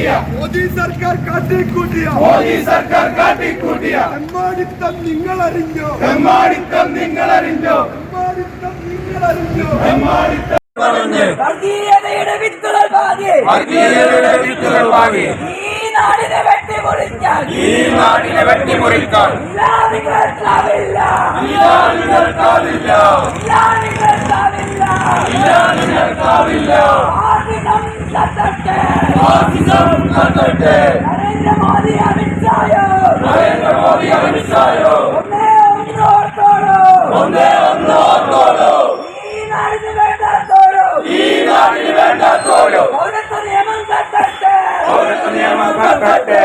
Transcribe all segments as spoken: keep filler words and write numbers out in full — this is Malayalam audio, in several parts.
കാട്ടിക്കൂട്ടിയ മോദി സർക്കാർ കാട്ടിക്കൂട്ടിയ മോദി സർക്കാർ കാട്ടിക്കൂട്ടിയ തെമ്മാടിത്തം നിങ്ങൾ അറിഞ്ഞോ തെമ്മാടിത്തം നിങ്ങൾ അറിഞ്ഞോ തെമ്മാടിത്തം നിങ്ങൾ അറിഞ്ഞോ തെമ്മാടിത്തം വർഗീയതയുടെ വിത്തുകൾ പാകി വർഗീയതയുടെ വിത്തുകൾ പാകി ഈ നാടിനെ വെട്ടിമുറിക്കാൻ ഈ നാടിനെ വെട്ടിമുറിക്കാൻ ഇല്ലാതികൾക്കാവില്ല ഇല്ലാതികൾക്കാവില്ല ഇല്ലാതികൾക്കാവില്ല ഇല്ലാതികൾക്കാവില്ല ആദിനം കത്തട്ടെ ആദിനം കത്തട്ടെ നരേന്ദ്രമോദി അമിത്ഷായോ നരേന്ദ്രമോദി അമിത്ഷായോ ഒന്നേ ഒന്ന് ഓർത്തോളൂ ഒന്നേ ഒന്ന് ഓർത്തോളൂ ഈ നാടിന് വേണ്ടാത്തോരോ ഈ നാടിന് വേണ്ടാത്തോരോ പൗരത്വ നിയമം കത്തട്ടെ പൗരത്വ നിയമം കത്തട്ടെ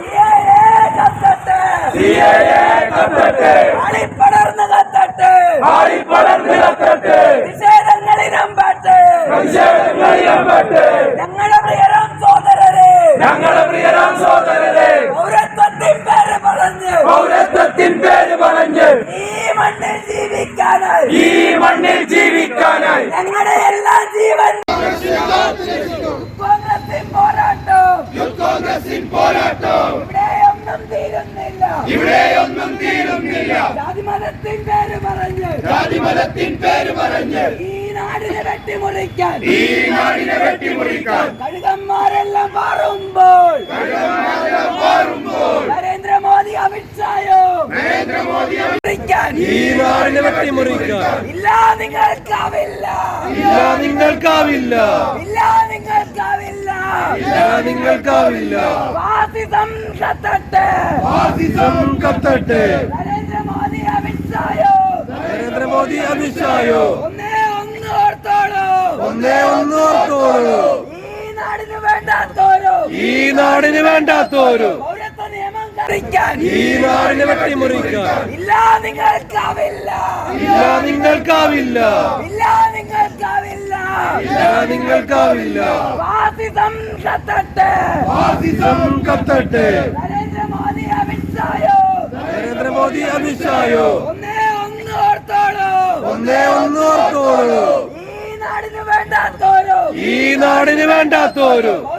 ആളിപ്പടർന്ന് കത്തട്ടെ ആളിപ്പടർന്ന് കത്തട്ടെ നിഷേധങ്ങളിരമ്പട്ടെ നിഷേധങ്ങളിരമ്പട്ടെ ഞങ്ങളുടെ പ്രിയരാം സോദരരെ ഞങ്ങളുടെ പ്രിയരാം സോദരരെ പൗരത്വത്തിൻ പേര് പറഞ്ഞ് പൗരത്വത്തിൻ പേര് പറഞ്ഞ് ഈ മണ്ണിൽ ജീവിക്കാനായി ഈ മണ്ണിൽ ജീവിക്കാനായി ഞങ്ങളുടെ എല്ലാ ജീവൻ കോൺഗ്രസിൻ പോരാട്ടം കോൺഗ്രസിൻ പോരാട്ടം ഇവിടെയൊന്നും തീരുന്നില്ല ഇവിടെയൊന്നും തീരുന്നില്ല ജാതിമതത്തിൻ പേര് പറഞ്ഞ് ജാതിമതത്തിൻ പേര് പറഞ്ഞ് ഈ നാടിനെ വെട്ടിമുറിക്കാൻ ഈ നാടിനെ വെട്ടിമുറിക്കാൻ കഴുകന്മാരെല്ലാം മാറുമ്പോൾ കഴുകന്മാരെല്ലാം മാറുമ്പോൾ നരേന്ദ്രമോദി അമിത്ഷായോ നരേന്ദ്രമോദി അമിത്ഷാൻ ഈ നാടിനെ വെട്ടിമുറിക്കാൻ ഇല്ല നിങ്ങൾക്കാവില്ല ഇല്ല നിങ്ങൾക്കാവില്ല ഇല്ല നിങ്ങൾക്കാവില്ല ഇല്ല നിങ്ങൾക്കാവില്ല ഫാസിസം കത്തട്ടെ ഫാസിസം കത്തട്ടെ നരേന്ദ്രമോദി അമിത്ഷായോ നരേന്ദ്രമോദി അമിത്ഷായോ ഒന്നേ ഒന്ന് ഓർത്തോളൂ ഒന്നേ ഒന്ന് ഓർത്തോളൂ ഈ നാടിന് വേണ്ടാത്തോരോ ഈ നാടിന് വേണ്ടാത്തോരോ പൗരത്വ നിയമം കരിക്കാൻ ഈ നാടിനെ വെട്ടിമുറിക്കാൻ ഇല്ല നിങ്ങൾക്കാവില്ല ഇല്ല നിങ്ങൾക്കാവില്ല ഇല്ല നിങ്ങൾക്കാവില്ല ഇല്ല നിങ്ങൾക്കാവില്ല ഫാസിസം കത്തട്ടെ ഫാസിസം കത്തട്ടെ നരേന്ദ്രമോദി അമിത്ഷായോ നരേന്ദ്രമോദി അമിത്ഷായോ ഒന്നേ ഒന്ന് ഓർത്തോളൂ ഒന്നേ ഒന്ന് ഓർത്തോളൂ ഈ നാടിന് വേണ്ടാത്തോരോ ഈ നാടിന് വേണ്ടാത്തോരോ